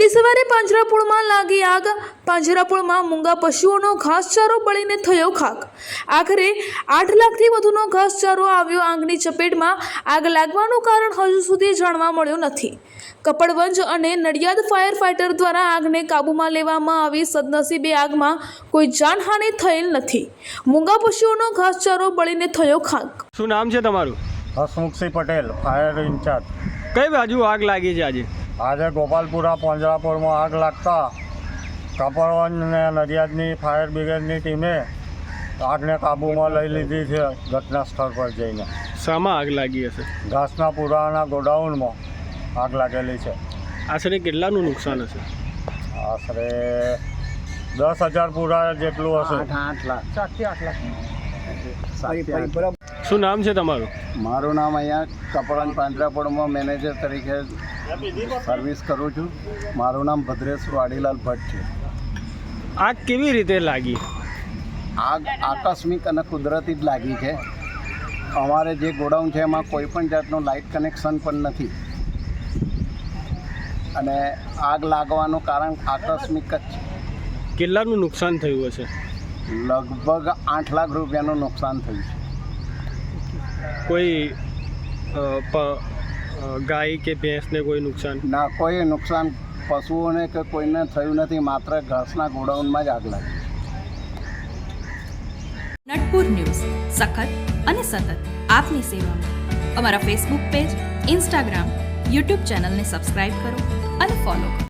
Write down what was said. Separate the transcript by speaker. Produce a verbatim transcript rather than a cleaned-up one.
Speaker 1: વહેલી સવારે પાંજરાપોળમાં લાગી આગ. પાંજરાપોળમાં મૂંગા પશુઓનો ઘાસચારો બળીને થયો ખાક. આખરે આઠ લાખથી વધુનો ઘાસચારો આવ્યો આગની ચપેટમાં. આગ લાગવાનું કારણ હજુ સુધી જાણવા મળ્યું નથી. કપડવંજ અને નડિયાદ ફાયર ફાઇટર દ્વારા આગને કાબૂમાં લેવામાં આવી. સદનસીબે આગમાં કોઈ જાનહાનિ થયેલ નથી. મૂંગા પશુઓનો ઘાસચારો બળીને થયો ખાક.
Speaker 2: શું નામ છે તમારું?
Speaker 3: Hasmukhsinh Patel, fire incharge.
Speaker 2: કઈ બાજુ આગ લાગી છે આજે?
Speaker 3: આજે ગોપાલપુરા પાંજરાપોળમાં આગ લાગતા કપડવંજ અને નડિયાદની ફાયર બ્રિગેડની ટીમે આગને કાબૂમાં લઈ લીધી છે ઘટના સ્થળ પર જઈને.
Speaker 2: શામાં આગ લાગી હશે?
Speaker 3: ઘાસના પૂરાના ગોડાઉનમાં આગ લાગેલી છે.
Speaker 2: આશરે કેટલાનું નુકસાન હશે?
Speaker 3: આશરે દસ હજાર પૂરા જેટલું હશે.
Speaker 4: આઠ લાખ સાતથી આઠ લાખ.
Speaker 2: શું નામ છે તમારું?
Speaker 4: મારું નામ અહીંયા કપડવંજ પાંજરાપોળમાં મેનેજર તરીકે સર્વિસ કરું છું. મારું નામ ભદ્રેશ વાડીલાલ ભટ્ટ છે.
Speaker 2: આગ કેવી રીતે લાગી?
Speaker 4: આગ આકસ્મિક અને કુદરતી જ લાગી છે. અમારે જે ગોડાઉન છે એમાં કોઈ પણ જાતનું લાઇટ કનેક્શન પણ નથી અને આગ લાગવાનું કારણ આકસ્મિક જ છે.
Speaker 2: કેટલાનું નુકસાન થયું હશે?
Speaker 4: લગભગ આઠ લાખ રૂપિયાનું નુકસાન થયું છે.
Speaker 2: કોઈ અ, પ, અ, ગાય કે ભેંસને કોઈ નુકસાન?
Speaker 4: ના, કોઈ નુકસાન પશુઓને કે કોઈને થયું નથી. માત્ર ઘાસના ગોડાઉનમાં જ આગ લાગી.
Speaker 5: નટપુર ન્યૂઝ સખત અને સતત આપની સેવામાં. અમારા ફેસબુક પેજ, ઇન્સ્ટાગ્રામ, યુટ્યુબ ચેનલને સબસ્ક્રાઇબ કરો અને ફોલો કરો.